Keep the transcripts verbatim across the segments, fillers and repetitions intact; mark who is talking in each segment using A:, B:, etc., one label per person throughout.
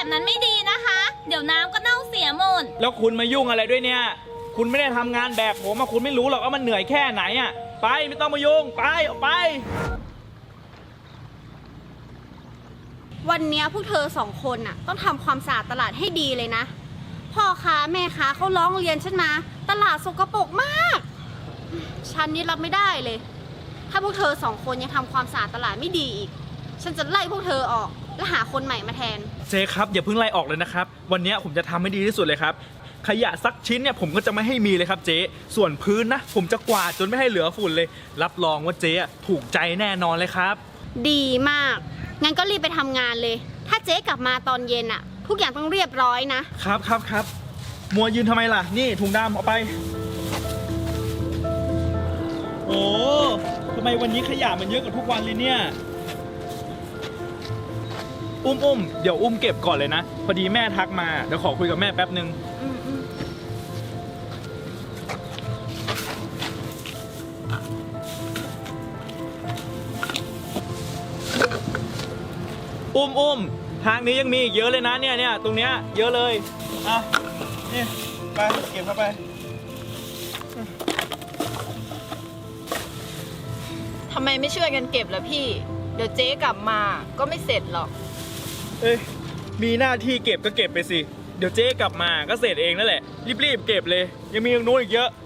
A: แบบนั้นไม่ดีนะคะ เดี๋ยวน้ำก็เน่าเสียหมด
B: แล้วคุณมายุ่งอะไรด้วยเนี่ยคุณไม่ได้ทำงานแบบผมอะคุณไม่รู้หรอกว่ามันเหนื่อยแค่ไหนอะไปไม่ต้องมายุ่งไปออกไป
C: วันนี้พวกเธอสองคนน่ะต้องทำความสะอาดตลาดให้ดีเลยนะพ่อค้าแม่ค้าเขาร้องเรียนฉันมาตลาดสกปรกมากฉันนี่รับไม่ได้เลยถ้าพวกเธอสองคนยังทำความสะอาดตลาดไม่ดีอีกฉันจะไล่พวกเธอออกและหาคนใหม่มาแทน
B: เจ๊ครับอย่าเพิ่งไล่ออกเลยนะครับวันนี้ผมจะทำให้ดีที่สุดเลยครับขยะสักชิ้นเนี่ยผมก็จะไม่ให้มีเลยครับเจ๊ส่วนพื้นนะผมจะกวาดจนไม่ให้เหลือฝุ่นเลยรับรองว่าเจ๊ถูกใจแน่นอนเลยครับ
C: ดีมากงั้นก็รีบไปทำงานเลยถ้าเจ๊กลับมาตอนเย็นอะทุกอย่างต้องเรียบร้อยนะครับ
B: ครับครับมัวยืนทำไมล่ะนี่ถุงดำเอาไปโอ้ทำไมวันนี้ขยะมันเยอะกว่าทุกวันเลยเนี่ยอุ้มอุ้มเดี๋ยวอุ้มเก็บก่อนเลยนะพอดีแม่ทักมาเดี๋ยวขอคุยกับแม่แป๊บนึงอุ้มอุ้มทางนี้ยังมีอีกเยอะเลยนะเนี่ยเนี่ยตรงเนี้ยเยอะเลยอ่ะนี่ไปเก็บเข้าไป
D: ทำไมไม่ช่วยกันเก็บล่ะพี่เดี๋ยวเจ๊กลับมาก็ไม่เสร็จหรอก
B: เอ้ยมีหน้าที่เก็บก็เก็บไปสิเดี๋ยวเจ๊กลับมาก็เสร็จเองนั่นแหละรีบๆเก็บเลยยังมีตรงโน้นอีกเยอะ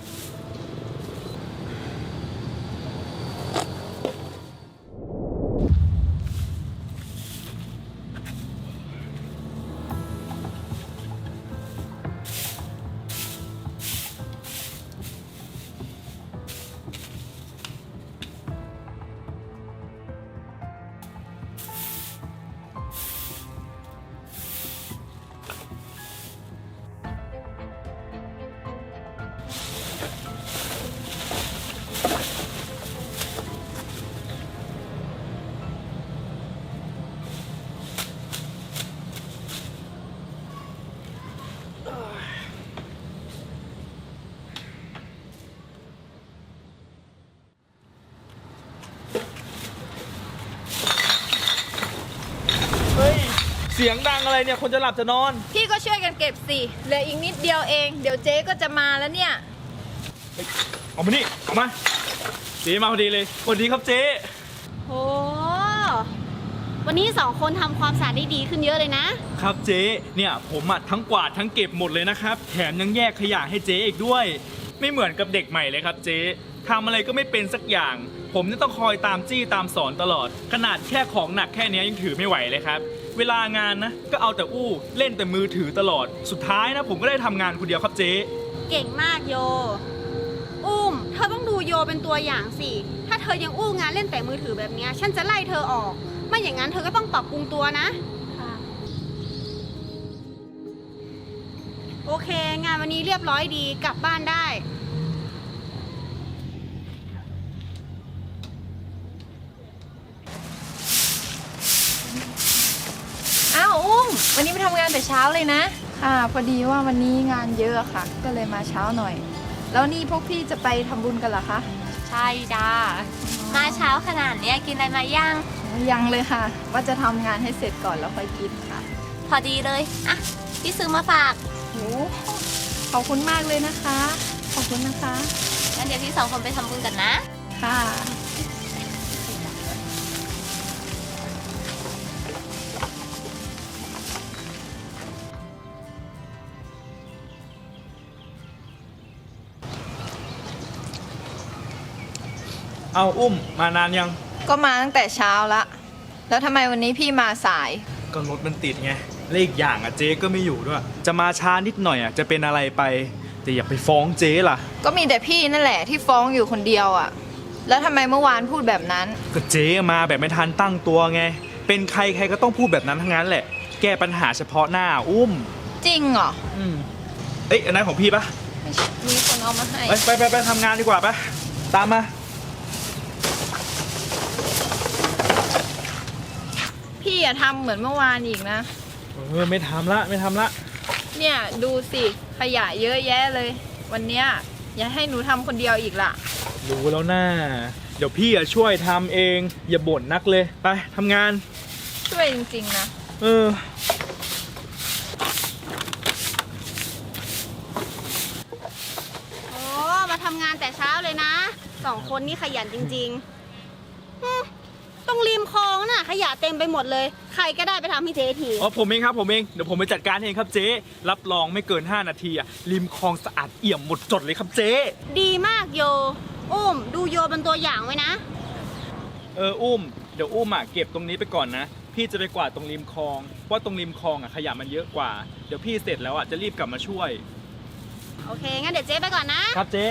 B: เสียงดังอะไรเนี่ยคนจะหลับจะนอน
D: พี่ก็ช่วยกันเก็บสิเหลืออีกนิดเดียวเองเดี๋ยวเจ๊ก็จะมาแล้วเนี่ย
B: เอามานี่เอามาเจ๊มาพอดีเลยสวัสดีครับเจ๊
C: โอ้วันนี้สองคนทำความสะอาดได้ดีขึ้นเยอะเลยนะครับ
B: เจ๊เนี่ยผมอ่ะทั้งกวาดทั้งเก็บหมดเลยนะครับแถมยังแยกขยะให้เจ๊อีกด้วยไม่เหมือนกับเด็กใหม่เลยครับเจ๊ทำอะไรก็ไม่เป็นสักอย่างผมนี่ต้องคอยตามจี้ตามสอนตลอดขนาดแค่ของหนักแค่นี้ยังถือไม่ไหวเลยครับเวลางานนะก็เอาแต่อู้เล่นแต่มือถือตลอดสุดท้ายนะผมก็ได้ทำงานคนเดียวครับเจ๊
C: เก่งมากโยอุ้มเธอต้องดูโยเป็นตัวอย่างสิถ้าเธอยังอู้งานเล่นแต่มือถือแบบนี้ฉันจะไล่เธอออกไม่อย่างนั้นเธอก็ต้องปรับปรุงตัวนะโอเคงานวันนี้เรียบร้อยดีกลับบ้านได้
D: อ้าวอุ้มวันนี้ไปทำงานแต่เช้าเลยนะ
E: ค่ะพอดีว่าวันนี้งานเยอะค่ะก็เลยมาเช้าหน่อยแล้วนี่พวกพี่จะไปทำบุญกันเหรอคะ
A: ใช่จ้ามาเช้าขนาดนี้กินอะไรมาย่าง
E: ยังเลยค่ะว่าจะทำงานให้เสร็จก่อนแล้วค่อยกินค่ะ
A: พอดีเลยอ่ะพี่ซื้อมาฝาก
E: โอ้ขอบคุณมากเลยนะคะขอบคุณนะคะ
A: งั้นเดี๋ยวพี่สองคนไปทำบุญกันนะ
E: ค่ะ
B: เอาอุ้มมานานยัง
E: ก็มาตั้งแต่เช้าละแล้วทำไมวันนี้พี่มาสาย
B: ก็รถมันติดไงและอีกอย่างอ่ะเจ๊ก็ไม่อยู่ด้วยจะมาช้านิดหน่อยอ่ะจะเป็นอะไรไปแต่อย่าไปฟ้องเจ๊ล่ะ
E: ก็มีแต่พี่นั่นแหละที่ฟ้องอยู่คนเดียวอ่ะแล้วทำไมเมื่อวานพูดแบบนั้น
B: ก็เจ๊มาแบบไม่ทันตั้งตัวไงเป็นใครใครก็ต้องพูดแบบนั้นทั้งนั้นแหละแก้ปัญหาเฉพาะหน้าอุ้ม
E: จริงเหรอ
B: อืมเอ้ยอันนั้นของพี่ปะ
E: มีคนเอามาให้
B: ไปไปไปทำงานดีกว่าปะตามมา
E: พี่อย่าทำเหมือนเมื่อวานอีกนะ
B: เออไม่ทำละไม่ทำละ
E: เนี่ยดูสิขยะเยอะแยะเลยวันเนี้ยอย่าให้หนูทำคนเดียวอีกล่ะ
B: รู้แล้วนะเดี๋ยวพี่อะช่วยทำเองอย่าบ่นนักเลยไปทำงาน
E: ช่วยจริงๆนะ
B: เออ
C: แต่เช้าเลยนะสองคนนี่ขยันจริงๆอืมตรงริมคลองน่ะขยะเต็มไปหมดเลย ใครก็ได้ไปทำให้เจ๊ที
B: อ๋อผมเองครับผมเองเดี๋ยวผมไปจัดการเองครับเจ๊รับรองไม่เกินห้านาทีอะริมคลองสะอาดเอี่ยมหมดจดเลยครับเจ๊
C: ดีมากโย อุ้มดูโยเป็นตัวอย่างไว้นะ
B: เอออุ้มเดี๋ยวอุ้มอะเก็บตรงนี้ไปก่อนนะพี่จะไปกวาดตรงริมคลองเพราะตรงริมคลองอะขยะมันเยอะกว่าเดี๋ยวพี่เสร็จแล้วอะจะรีบกลับมาช่วย
C: โอเค งั้นเดี๋ยวเจ๊ไปก่อนนะ
B: ครับเจ๊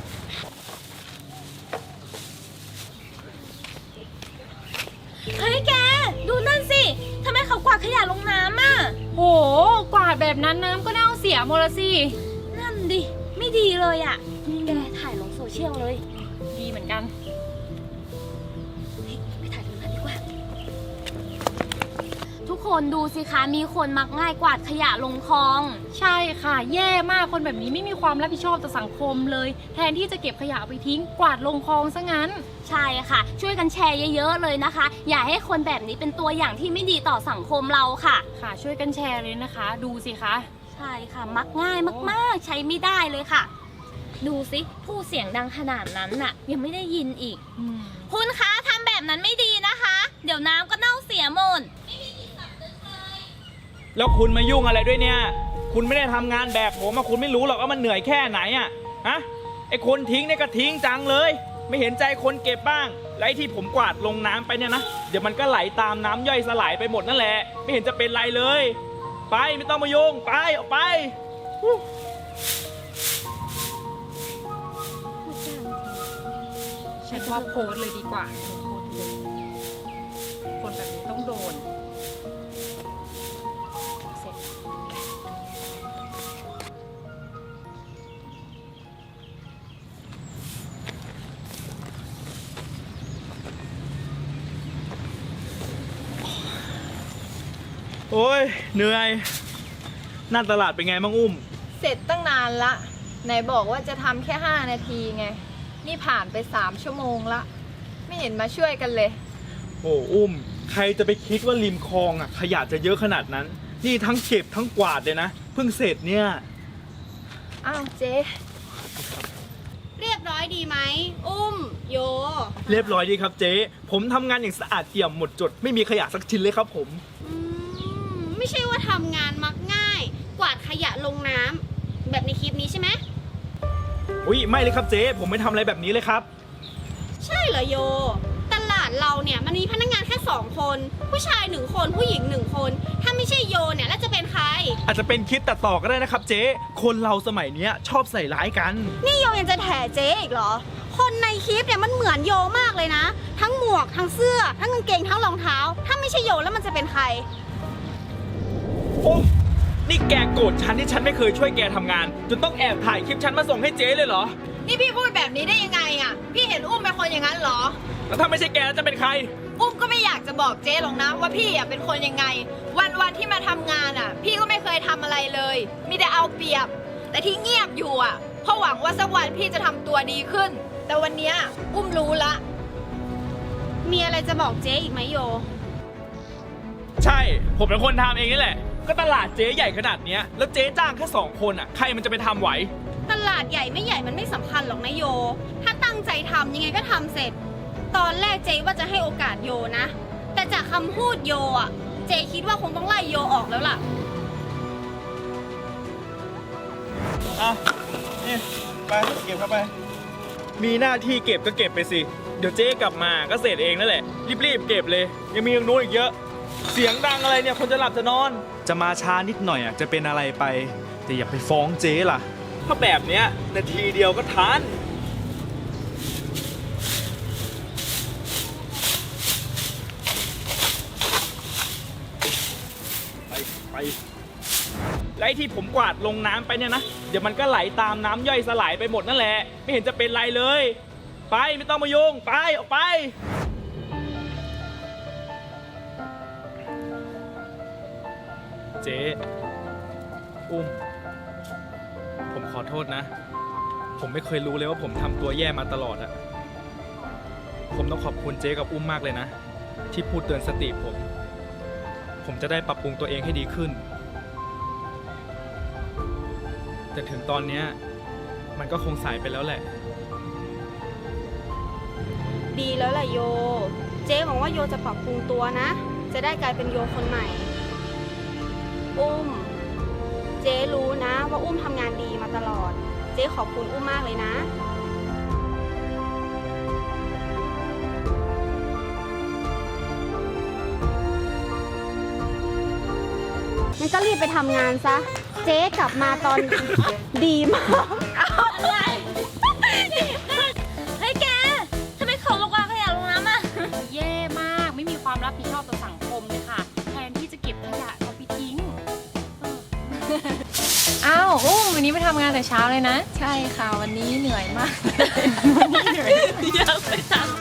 A: เฮ้ยแก ดูนั่นสิ ทำไมเขากวาดขยะลงน้ำอ่ะ
D: โห กวาดแบบนั้นน้ำก็เน่าเสียหมดละสิ
A: นั่นดิ ไม่ดีเลยอ่ะ แกถ่ายลงโซเชียลเลย
D: ดีเหมือนกัน
A: ไปถ่ายตรงนั้นดีกว่า ทุกคนดูสิคะ มีคนมักง่ายกวาดขยะลงคลอง
D: ใช่ค่ะ แย่มากคนแบบนี้ไม่มีความรับผิดชอบต่อสังคมเลย แทนที่จะเก็บขยะเอาไปทิ้ง กวาดลงคลองซะงั้น
A: ใช่ค่ะ ช่วยกันแชร์เยอะๆเลยนะคะ อย่าให้คนแบบนี้เป็นตัวอย่างที่ไม่ดีต่อสังคมเราค่ะ
D: ค่ะ ช่วยกันแชร์เลยนะคะ ดูสิคะ
A: ใช่ค่ะ มักง่ายมากๆ ใช้ไม่ได้เลยค่ะ ดูสิพูดเสียงดังขนาดนั้นน่ะ ยังไม่ได้ยินอีก
D: อืม
A: คุณคะทำแบบนั้นไม่ดีนะคะ เดี๋ยวน้ำก็เน่าเสียหมด
B: แล้วคุณมายุ่งอะไรด้วยเนี่ยคุณไม่ได้ทำงานแบบผมอะคุณไม่รู้หรอกว่ามันเหนื่อยแค่ไหนอะฮะไอคนทิ้งเนี่ยก็ทิ้งจังเลย ไม่เห็นใจคนเก็บบ้างและไอที่ผมกวาดลงน้ำไปเนี่ยนะเดี๋ยวมันก็ไหลตามน้ำย่อยสลายไปหมดนั่นแหละไม่เห็นจะเป็นไรเลย ไปไม่ต้องมายุ่งไปออกไปฮู้
D: ฉันว่าโพสต์เลยดีกว่าโพสต์เลยคนแบบนี้ต้องโดนเสร็จ
B: โอ้ยเหนื่อยหน้าตลาดเป็นไงบ้างอุ้ม
E: เสร็จตั้งนานละ ไหนบอกว่าจะทำแค่ห้านาทีไง นี่ผ่านไปสามชั่วโมงละ ไม่เห็นมาช่วยกันเลย
B: โอ้อุ้มใครจะไปคิดว่าริมคลองอะขยะจะเยอะขนาดนั้น นี่ทั้งเก็บทั้งกวาดเลยนะเพิ่งเสร็จเนี่ย
E: อ้าวเจ๊
C: เรียบร้อยดีไหม อุ้ม โย
B: เรียบร้อยดีครับเจ๊ผมทำงานอย่างสะอาดเอี่ยมหมดจดไม่มีขยะสักชิ้นเลยครับผม
C: อืม ไม่ใช่ว่าทำงานมักง่าย กวาดขยะลงน้ำแบบในคลิปนี้ใช่ไหม
B: อุ้ยไม่เลยครับเจ๊ผมไม่ทำอะไรแบบนี้เลยครับ
C: ใช่เหรอโย ตลาดเราเนี่ยมันมีพนักงานแค่สองคน ผู้ชายหนึ่งคนผู้หญิงหนึ่งคน ถ้าไม่ใช่โยเนี่ยแล้วจะเป็นใคร
B: อาจจะเป็นคลิปตัดต่อก็ได้นะครับเจ๊คนเราสมัยเนี้ยชอบใส่ร้ายกัน
C: นี่โยยังจะแถเจ๊อีกเหรอ คนในคลิปเนี่ยมันเหมือนโยมากเลยนะ ทั้งหมวกทั้งเสื้อ ทั้งกางเกงทั้งรองเท้า ถ้าไม่ใช่โยแล้วมันจะเป็นใคร
B: โอ้นี่แกโกรธฉันที่ฉันไม่เคยช่วยแกทำงาน จนต้องแอบถ่ายคลิปฉันมาส่งให้เจ๊เลยเหรอ
E: นี่พี่พูดแบบนี้ได้ยังไงอ่ะ พี่เห็นอุ้มเป็นคนอย่างนั้นเหรอ
B: แล้วถ้าไม่ใช่แกแล้วจะเป็นใคร
E: อุ้มก็ไม่อยากจะบอกเจ๊หรอกนะว่าพี่อ่ะเป็นคนยังไง วันวันๆที่มาทำงานอ่ะ พี่ก็ไม่เคยทำอะไรเลย มีแต่เอาเปรียบ แต่ที่เงียบอยู่อ่ะเพราะหวังว่าสักวันพี่จะทำตัวดีขึ้น แต่วันเนี้ยอุ้มรู้ละ
C: มีอะไรจะบอกเจ๊อีกไหมโย
B: ใช่ ผมเป็นคนทำเองนี่แหละ ก็ตลาดเจ๊ใหญ่ขนาดเนี้ยแล้วเจ๊จ้างแค่สองคนอ่ะใครมันจะไปทำไหว
C: ตลาดใหญ่ไม่ใหญ่มันไม่สำคัญหรอกนะโย ถ้าตั้งใจทำยังไงก็ทำเสร็จ ตอนแรกเจ๊ว่าจะให้โอกาสโยนะ แต่จากคำพูดโยอ่ะ เจ๊คิดว่าคงต้องไล่โยออกแล้วล่ะ
B: อ่ะนี่ไปเก็บเข้าไป มีหน้าที่เก็บก็เก็บไปสิ เดี๋ยวเจ๊กลับมาก็เสร็จเองนั่นแหละ รีบๆเก็บเลย ยังมีอย่างนู้นอีกเยอะ เสียงดังอะไรเนี่ยคนจะหลับจะนอน จะมาช้านิดหน่อยอ่ะจะเป็นอะไรไป แต่อย่าไปฟ้องเจ๊ล่ะเพราะแบบเนี้ยนาทีเดียวก็ทัน ไปไปและไอ้ที่ผมกวาดลงน้ำไปเนี่ยนะ เดี๋ยวมันก็ไหลตามน้ำย่อยสลายไปหมดนั่นแหละ ไม่เห็นจะเป็นไรเลย ไปไม่ต้องมายุ่งไปออกไป เจ๊อุ้ม ผมขอโทษนะ ผมไม่เคยรู้เลยว่าผมทำตัวแย่มาตลอดอะผมต้องขอบคุณเจ๊กับอุ้มมากเลยนะ ที่พูดเตือนสติผม ผมจะได้ปรับปรุงตัวเองให้ดีขึ้น แต่ถึงตอนเนี้ยมันก็คงสายไปแล้วแหละ
C: ดีแล้วแหละโย เจ๊หวังว่าโยจะปรับปรุงตัวนะ จะได้กลายเป็นโยคนใหม่ อุ้ม เจ๊รู้นะว่าอุ้มทำงานดีมาตลอด เจ๊ขอบคุณอุ้มมากเลยนะ งั้นก็รีบไปทำงานซะ เจ๊กลับมาตอน ดีมาก
A: อะไรเฮ้ยแกทำไมเขาลงวางขยะลงน้ำอ่ะ
D: แย่มากไม่มีความรับผิดชอบต่อสังคมเลยค่ะ แทนที่จะเก็บขยะเอาไปทิ้งอ้าวอุ้มวันนี้ไปทำงานแต่เช้าเลยนะ
E: ใช่ค่ะวันนี้เหนื่อยมาก
A: อยากไปทำ